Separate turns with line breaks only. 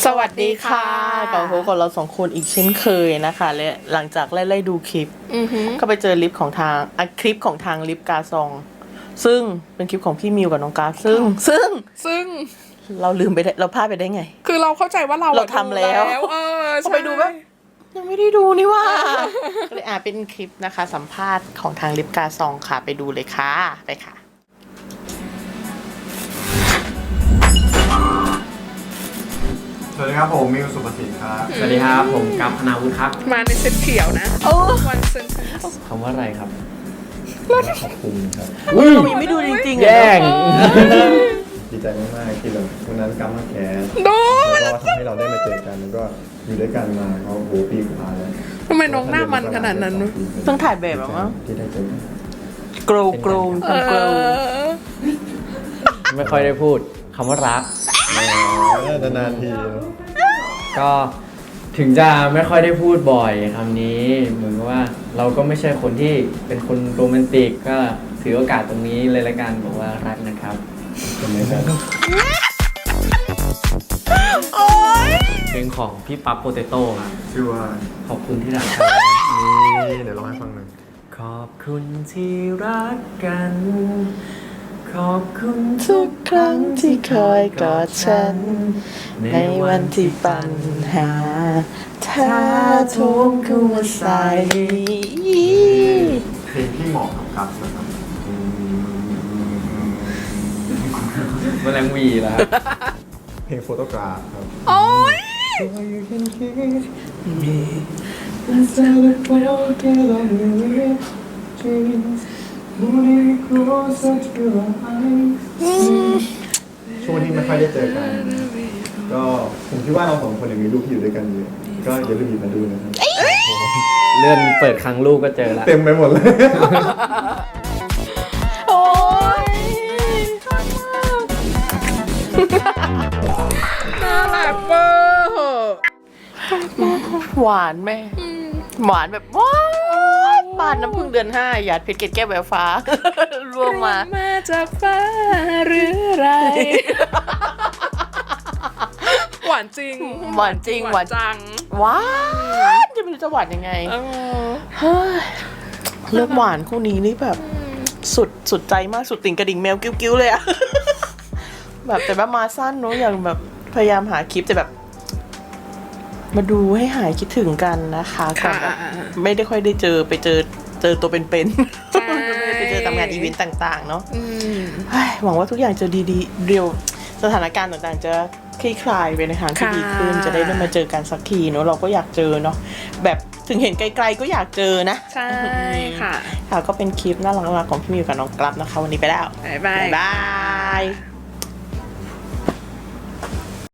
สวัสดีค่ะ
กับพวกเราสองคนอีกเช่นเคยนะคะและหลังจากไล่ดูคลิปก็ไปเจอลิปของทางคลิปของทางลิปกาซองซึ่งเป็นคลิปของพี่มิวกับน้องกราฟซึ่งเราลืมไปได้เราพลาดไปได้ไง
คือเราเข้าใจว่าเรา
ทำแล้วพอไปดูแบบยังไม่ได้ดูนี่ว่าก็เลยเป็นคลิปนะคะสัมภาษณ์ของทางลิปกาซองค่ะไปดูเลยค่ะไปค่ะ
สวัสดีครับผมมิวสุภสิทธิ์ครับ
สวัสดีครับผมกัปพนาวุฒิครับ
มาในเซตเขียวนะวันเซน
คำว่าอะไรครับ
ขอบคุณครับ
เรายังไม่ดูจริงๆ
แย่ง
ดีใจมากๆที่แบบวันนั้นกัมมาแคส
โดน
แล้วก็ทำให้เราได้มาเจอกันแล้วก็อยู่ด้วยกันมาเขาโหปีกว่าแล้ว
ทำไมน้องหน้ามันขนาดนั้น
เพิ่งถ่ายแบบมั้ง
ที่ได้เจอกัน
โกรโกร
ไม่ค่อยได้พูดคำว่ารัก
นานๆที
ก็ถึงจะไม่ค่อยได้พูดบ่อยคำนี้เหมือนกับว่าเราก็ไม่ใช่คนที่เป็นคนโรแมนติกก็ถือโอกาสตรงนี้เลยละกันบอกว่ารักนะครับเป็นไงครับเพลงของพี่ปั๊บโปเตโต้ครับ
ชื่อว่า
ขอบคุณที่รักกัน
นี่เดี๋ยวร้องให้ฟังหนึ่ง
ขอบคุณที่รักกันขอบคุณ
ทุกครั้งที่คอยกอดฉันในวันที่ปัญหาถ้าทุกข์เข้ามาใส่
เพลงที่เหมาะกับกัมนะครับ
แมลงวีแล้วครับ
เพลงโฟโตกราฟครับ
โอ้ย
So you can kiss me and celebrate all together in your dreams moving closer to your eyes ช่วงที่ไม่ค่อยได้เจอกัน ก็ผมคิดว่าเราสองคนมีรูปที่อยู่ด้วยกันเยอะก็อย่าลืมหยิบมาดูนะครับ
เลื่อนเปิดครั้งลูกก็เจอแล้ว
เต็มไปหมดเลย
โอ้ย
น่ารักเบอร์
หวานแม่หวานแบบว้าวปานน้ำพึ่งเดือน5หยาดเพชรเกล็ดแก้วแววฟ้า ร่วงมา
มาจากฟ้าหรือไรหวานจริง
หวานจริงหวาน
จัง
หวานจะไม่รู้จะหวานยังไงเฮ้ยเลิกหวานคู่นี้นี่แบบสุดใจมากสุดติ่งกระดิ่งแมวกิ้วๆเลยอะ แบบแต่ว่ามาสั้นเนอะอย่างแบบพยายามหาคลิปแต่แบบ มาดูให้หายคิดถึงกันนะคะก่อนแบบไม่ได้ค่อยได้เจอไปเจอตัวเป็นๆไม่ได้ไปเจอตามงานอีเวนต์ต่างๆเนาะหวังว่าทุกอย่างจะดีๆเร็วสถานการณ์ต่างๆจะคลี่คลายไปในทางที่ดีขึ้นจะได้มาเจอกันสักทีเนาะเราก็อยากเจอเนาะแบบถึงเห็นไกลๆก็อยากเจอนะ
ใช่ค่ะ
ค่ะก็เป็นคลิปน่ารักๆของพี่มิวกับน้องกลับนะคะวันนี้ไปแล้ว
บ๊ายบาย
บ๊ายบาย